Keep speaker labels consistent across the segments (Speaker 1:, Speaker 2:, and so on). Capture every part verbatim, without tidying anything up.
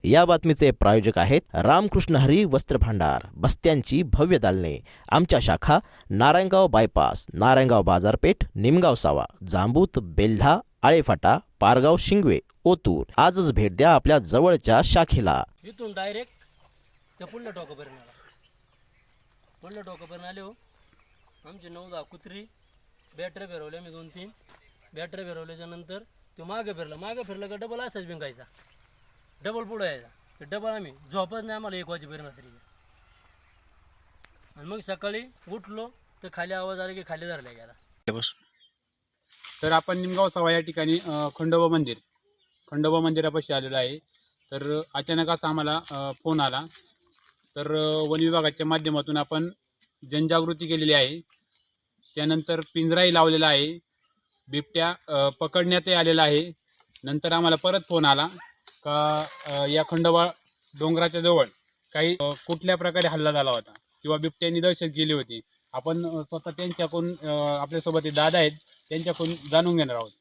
Speaker 1: या बातमीचे प्रायोजक आहेत रामकृष्ण हरी वस्त्र भांडार, बस्त्यांची भव्य दालने। आमच्या शाखा नारायणगाव बायपास, नारायणगाव बाजारपेठ, निमगाव सावा, जांबूत, बेल्ढा, आळेफाटा, पारगाव, शिंगवे, ओतूर। आजच भेट द्या आपल्या जवळच्या शाखेला।
Speaker 2: इथून डायरेक्ट त्या पुढल्या टोकापर्यंत आला पुढल्या टोकापर्यंत आले हो। आमचे नऊ दहा कुत्री बॅटऱ्या फिरवल्या मी, दोन तीन बॅटऱ्या फिरवल्याच्या नंतर तो मागे फिरला मागे फिरला का डबल असाच बिंगायचा, डबल पुढं यायचा, डबल आम्ही झोपच नाही आम्हाला एक वाजेपर्यंत रात्री। आणि मग सकाळी उठलो तर खाली आवाज आला की खाली धरल्या गेला।
Speaker 3: तर आपण निमगाव सावा या ठिकाणी खंडोबा मंदिर खंडोबा मंदिरापाशी आलेलो आहे। तर अचानक असा आम्हाला फोन आला। तर वन विभागाच्या माध्यमातून आपण जनजागृती केलेली आहे, त्यानंतर पिंजराही लावलेला आहे, बिबट्या पकडण्यातही आलेला आहे। नंतर आम्हाला परत फोन आला का या खंडोबा डोंगराच्या जवळ काही कुठल्या प्रकारे हल्ला झाला होता किंवा बिबट्यांनी दहशत केली होती। आपण स्वतः त्यांच्याकडून आपल्यासोबत हे दादा आहेत त्यांच्याकडून जाणून घेणार आहोत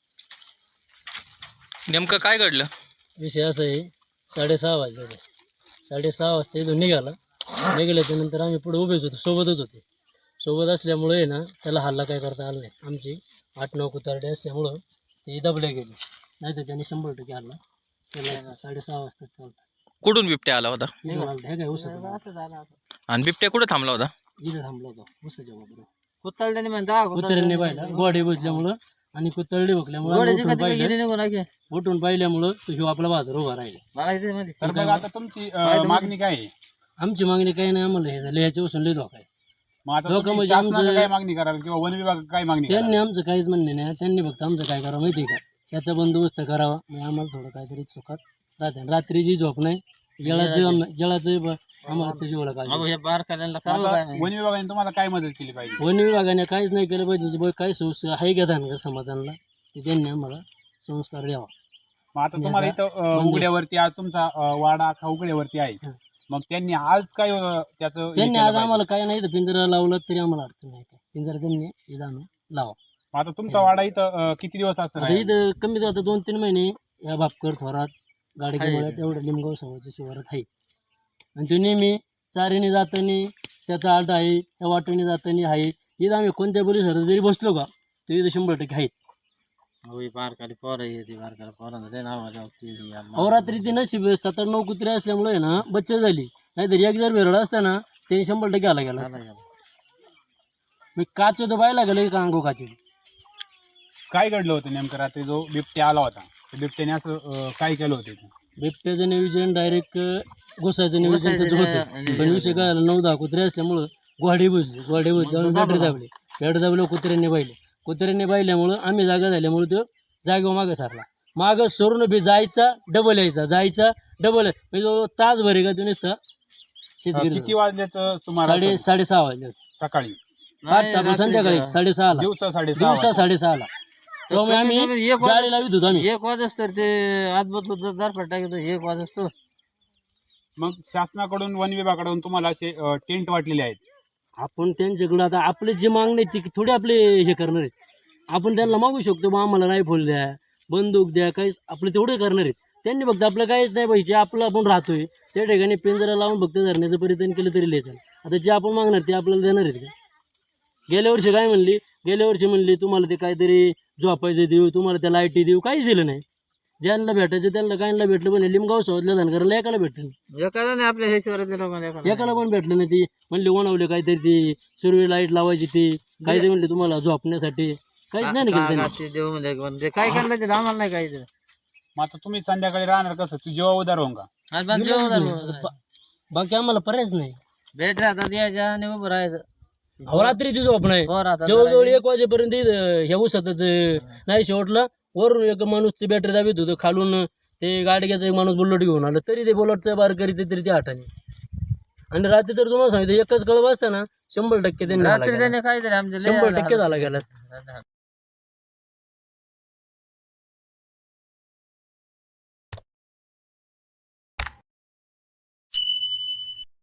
Speaker 4: नेमकं काय घडलं।
Speaker 2: विषय असा आहे, साडेसहा वाजले होते, साडेसहा वाजता इथून निघाला। निघाल्याच्या नंतर आम्ही पुढे उभेच होतो, सोबतच होते। सोबत असल्यामुळे ना त्याला हल्ला काय करता आला नाही। आमची आठ नऊ कुतारडे असल्यामुळं ते दबले गेले, नाही तर त्यांनी शंभर टक्के हल्ला केला। साडेसहा वाजता चालता
Speaker 4: कुठून बिबट्या आला होता
Speaker 2: हे काय उसा
Speaker 4: आणि बिबट्या कुठे थांबला होता।
Speaker 2: इथं थांबला होता उसाच्या बरोबर।
Speaker 5: कुत्तरड्याने म्हणता
Speaker 2: कुत्र्यांनी पाहिला, गोडे बसल्यामुळं आणि कुत्तरडे बघल्यामुळे उठून पाहिल्यामुळं तो ह्यो आपला बाजार उभा राहिला।
Speaker 3: तर मग आता तुमची मागणी काय आहे।
Speaker 2: आमची मागणी काही नाही, आम्हाला हे झालं ह्याच्या वसून लय धोका आहे।
Speaker 3: मग आता
Speaker 2: धोका
Speaker 3: तुम्ही
Speaker 2: म्हणजे
Speaker 3: शासनाला
Speaker 2: आमचं
Speaker 3: काय मागणी कराल किंवा वन विभाग काय मागणी
Speaker 2: त्यांनी
Speaker 3: कराल?
Speaker 2: आमचं काहीच म्हणणे नाही, त्यांनी फक्त आमचं काय करावं माहिती आहे का, त्याचा बंदोबस्त करावा, मग आम्हाला थोडं काहीतरी सुखात राहते। रात्रीची झोप नाही, जळाचं जळाचं आम्हाला त्याची पाहिजे।
Speaker 3: वन विभागाने तुम्हाला काय मदत केली पाहिजे?
Speaker 2: वन विभागाने काहीच नाही केलं पाहिजे। काही संस्था आहे का धनगर समाजाला, ते त्यांनी आम्हाला संस्कार द्यावा।
Speaker 3: मग आता तुम्हाला इथं उघड्यावरती आज तुमचा वाडा अख्खा उघड्यावरती आहे, मग त्यांनी आज काय त्याचं
Speaker 2: त्यांनी आज आम्हाला काय नाही तर पिंजरा लावला तरी आम्हाला अडचण नाही, काय पिंजरा त्यांनी इथं आणून लावा।
Speaker 3: आता तुमचा वाडा इथं किती दिवस असतो?
Speaker 2: आता इथं कमीत आता दोन तीन महिने या भापकर थोरात गाडी घेऊन तेवढं लिमगाव समाजाच्या शिवारात आहे। आणि तो नेहमी चारीने जातानी त्याचा आलटा आहे, त्या वाटेने जातानी आहे। इथं आम्ही कोणत्या पोलिसात जरी बसलो का तो इथं शंभर टक्के आहेत। अहोरात्री ती नशीब सात आठ नऊ कुत्रे असल्यामुळे ना बच्चे झाली, नाहीतर एक जर वेरळा असताना त्याने शंभर टक्के आला गेला। मी काच तर पाहायला गेलो का अंगो काचे।
Speaker 3: काय घडलं होतं नेमकं रात्री जो बिबट्या आला होता, बिबट्याने असं काय केलं होतं?
Speaker 2: बिबट्याचं नियोजन डायरेक्ट घुसायचं नियोजन त्याचं होतं, पण विषय काय झाला, नऊ दहा कुत्रे असल्यामुळं गोहाडी बुजली, गोहाडी बुजल्यामुळे बॅटरी दाबली, बॅटरी दाबलं कुत्र्यांनी पाहिले, कुत्र्यांनी पाहिल्यामुळं आम्ही जागा झाल्यामुळे तो जागेवर मागं सारला। मागं सोडून बी जायचा डबल यायचा, जायचा डबल, म्हणजे तास भरे का तो नुसता
Speaker 3: किती वाजल्याचं सुमारे?
Speaker 2: साडे साडेसहा वाजले
Speaker 3: सकाळी
Speaker 2: पाच संध्याकाळी साडेसहाला
Speaker 3: दिवसा साडेसहा
Speaker 2: दिवसा साडेसहाला त्यामुळे आम्ही जाळी लावित होतो आम्ही।
Speaker 5: एक वाजस तर ते आजबत दरफट टाकतो एक वाजस तो।
Speaker 3: मग शासनाकडून वन विभागाकडून तुम्हाला असे टेंट वाटलेले आहेत,
Speaker 2: आपण त्यांच्याकडे आता आपले जे मागणे ती थोडे आपले हे करणार आहेत। आपण त्यांना मागू शकतो बा आम्हाला रायफल द्या, बंदूक द्या, काही आपलं तेवढे करणार आहेत। त्यांनी फक्त आपलं काहीच नाही पाहिजे, आपलं आपण राहतोय त्या ठिकाणी पिंजरा लावून फक्त धरण्याचं परिधान केलं तरी लिहायचं। आता जे आपण मागणार ते आपल्याला देणार आहेत का? गेल्या वर्षी काय म्हणली, गेल्या वर्षी म्हणली तुम्हाला ते काहीतरी झोपायचं देऊ, तुम्हाला त्या लाईटी देऊ, काहीच दिलं नाही। ज्यांना भेटायचं त्यांना काहींना भेटलं, पण लिमगाव सावतल्या धनगराला एकाला भेटलं
Speaker 5: एकाला नाही, आपल्या हे शहरातल्या
Speaker 2: एकाला पण भेटलं नाही। ती म्हणली ओनवले काहीतरी ती सुरवी लाईट लावायची, ती काहीतरी म्हणली तुम्हाला झोपण्यासाठी, काहीच नाही केलं।
Speaker 5: काय करणार ते आम्हाला नाही काही।
Speaker 3: मग आता तुम्ही संध्याकाळी राहणार कसं? तू जेव्हा उदार होऊन का?
Speaker 2: बाकी आम्हाला पर्यायच नाही,
Speaker 5: भेट राहतात यायच्या आणि उभं राहायचं।
Speaker 2: रात्रीची झोप नाही, जवळजवळ एक वाजेपर्यंत ह्या उसातच नाही। शेवटला वरून एक माणूस ती बॅटरी दाबीत होतं, खालून ते गाडग्याचा एक माणूस बुलेट घेऊन आलं तरी ते बुलेटचा बार करीत तरी ते आठाने। आणि रात्री तर तुम्हाला सांगितलं एकच कळब असताना शंभर टक्के त्यांनी
Speaker 5: काहीतरी आमच्या
Speaker 2: शंभर टक्के झाला गेला।